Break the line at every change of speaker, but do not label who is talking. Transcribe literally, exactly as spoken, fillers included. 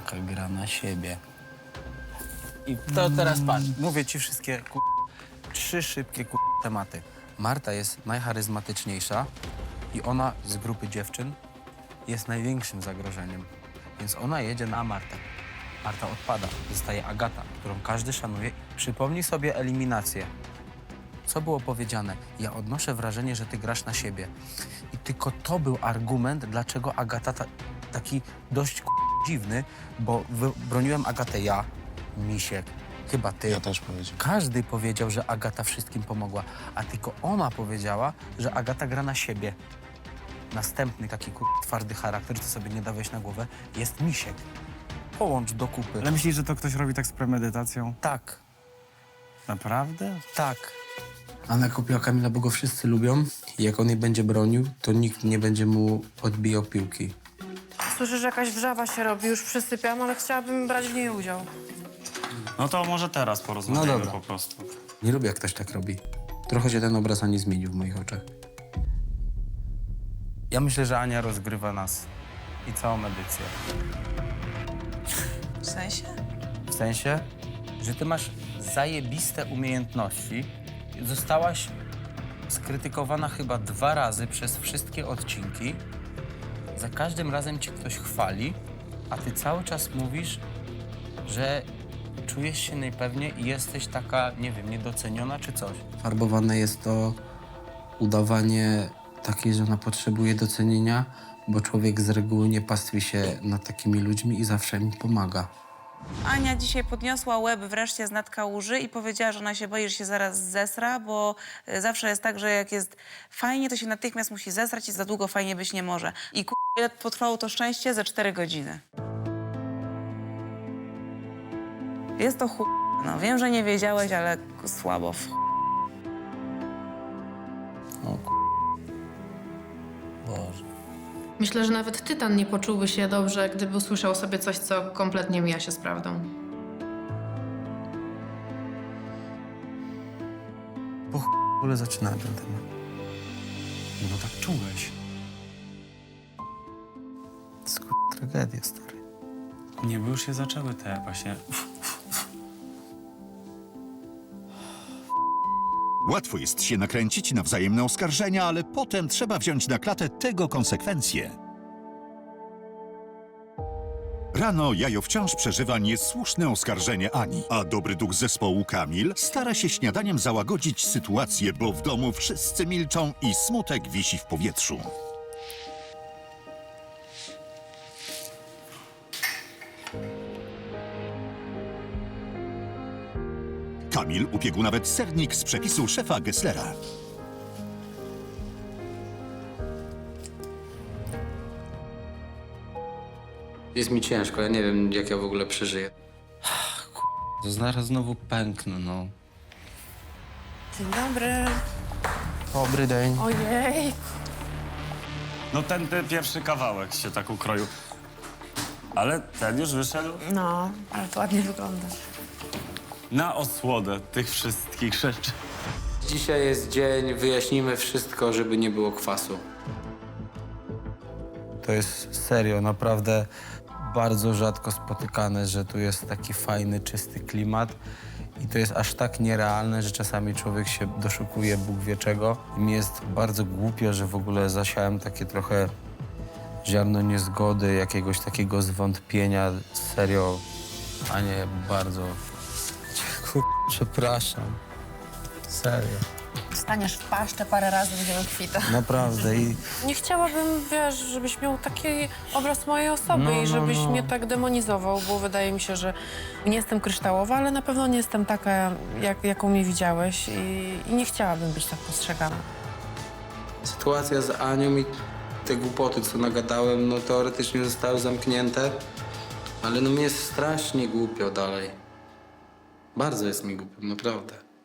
Agata gra na siebie. I to teraz patrz, mówię ci wszystkie ku... trzy szybkie ku... tematy. Marta jest najcharyzmatyczniejsza i ona z grupy dziewczyn jest największym zagrożeniem. Więc ona jedzie na Martę. Marta odpada, zostaje Agata, którą każdy szanuje. Przypomnij sobie eliminację. Co było powiedziane? Ja odnoszę wrażenie, że ty grasz na siebie. I tylko to był argument, dlaczego Agata ta, taki dość k- dziwny, bo wy- broniłem Agatę ja, Misiek, chyba ty.
Ja też powiedziałem.
Każdy powiedział, że Agata wszystkim pomogła, a tylko ona powiedziała, że Agata gra na siebie. Następny taki k- twardy charakter, co sobie nie da wejść na głowę, jest Misiek. Połącz do kupy.
Ale myślisz, że to ktoś robi tak z premedytacją?
Tak,
Naprawdę?
tak. Anna kupiła Kamila, bo go wszyscy lubią i jak on jej będzie bronił, to nikt nie będzie mu odbijał piłki.
Słyszę, że jakaś wrzawa się robi, już przysypiam, ale chciałabym brać w niej udział.
No to może teraz porozmawiamy
No dobra.
po prostu.
Nie lubię, jak ktoś tak robi. Trochę się ten obraz Ani zmienił w moich oczach. Ja myślę, że Ania rozgrywa nas i całą edycję.
W sensie?
W sensie, że ty masz zajebiste umiejętności. Zostałaś skrytykowana chyba dwa razy przez wszystkie odcinki. Za każdym razem cię ktoś chwali, a ty cały czas mówisz, że czujesz się najpewniej i jesteś taka, nie wiem, niedoceniona czy coś. Farbowane jest to udawanie takiej, że ona potrzebuje docenienia, bo człowiek z reguły nie pastwi się nad takimi ludźmi i zawsze im pomaga.
Ania dzisiaj podniosła łeb wreszcie z nad kałuży i powiedziała, że ona się boi, że się zaraz zesra, bo y, zawsze jest tak, że jak jest fajnie, to się natychmiast musi zesrać i za długo fajnie być nie może. I ku... ile potrwało to szczęście? Ze cztery godziny. Jest to chu... No, wiem, że nie wiedziałeś, ale słabo. w-
O k***. Boże.
Myślę, że nawet Tytan nie poczułby się dobrze, gdyby usłyszał sobie coś, co kompletnie mija się z prawdą.
Po ch... w ogóle zaczynałem ten temat.
No tak czułeś.
To jest k***, tragedia, stary.
Nie, bo już się zaczęły te właśnie...
Łatwo jest się nakręcić na wzajemne oskarżenia, ale potem trzeba wziąć na klatę tego konsekwencje. Rano Jajo wciąż przeżywa niesłuszne oskarżenie Ani, a dobry duch zespołu Kamil stara się śniadaniem załagodzić sytuację, bo w domu wszyscy milczą i smutek wisi w powietrzu. Kamil upiekł nawet sernik z przepisu szefa Gesslera.
Jest mi ciężko, ja nie wiem, jak ja w ogóle przeżyję. K***, to zaraz znowu pęknę, no.
Dzień dobry.
Dobry dzień.
Ojej.
No ten, ten pierwszy kawałek się tak ukroił. Ale ten już wyszedł
No, ale to ładnie wygląda.
na osłodę tych wszystkich rzeczy.
Dzisiaj jest dzień, wyjaśnimy wszystko, żeby nie było kwasu. To jest serio, naprawdę bardzo rzadko spotykane, że tu jest taki fajny, czysty klimat. I to jest aż tak nierealne, że czasami człowiek się doszukuje Bóg wie czego. I mi jest bardzo głupio, że w ogóle zasiałem takie trochę ziarno niezgody, jakiegoś takiego zwątpienia. Serio, a nie bardzo. Kur... Przepraszam. Serio.
Staniesz w paszczę parę razy, będziemy kwita.
Naprawdę. I
Nie chciałabym, wiesz, żebyś miał taki obraz mojej osoby
No,
i
no,
żebyś
no.
mnie tak demonizował, bo wydaje mi się, że nie jestem kryształowa, ale na pewno nie jestem taka, jak, jaką mnie widziałeś i, i nie chciałabym być tak postrzegana.
sytuacja z Anią i te głupoty, co nagadałem, no teoretycznie zostały zamknięte, ale no mi jest strasznie głupio dalej. Bardzo jest mi głupio, naprawdę.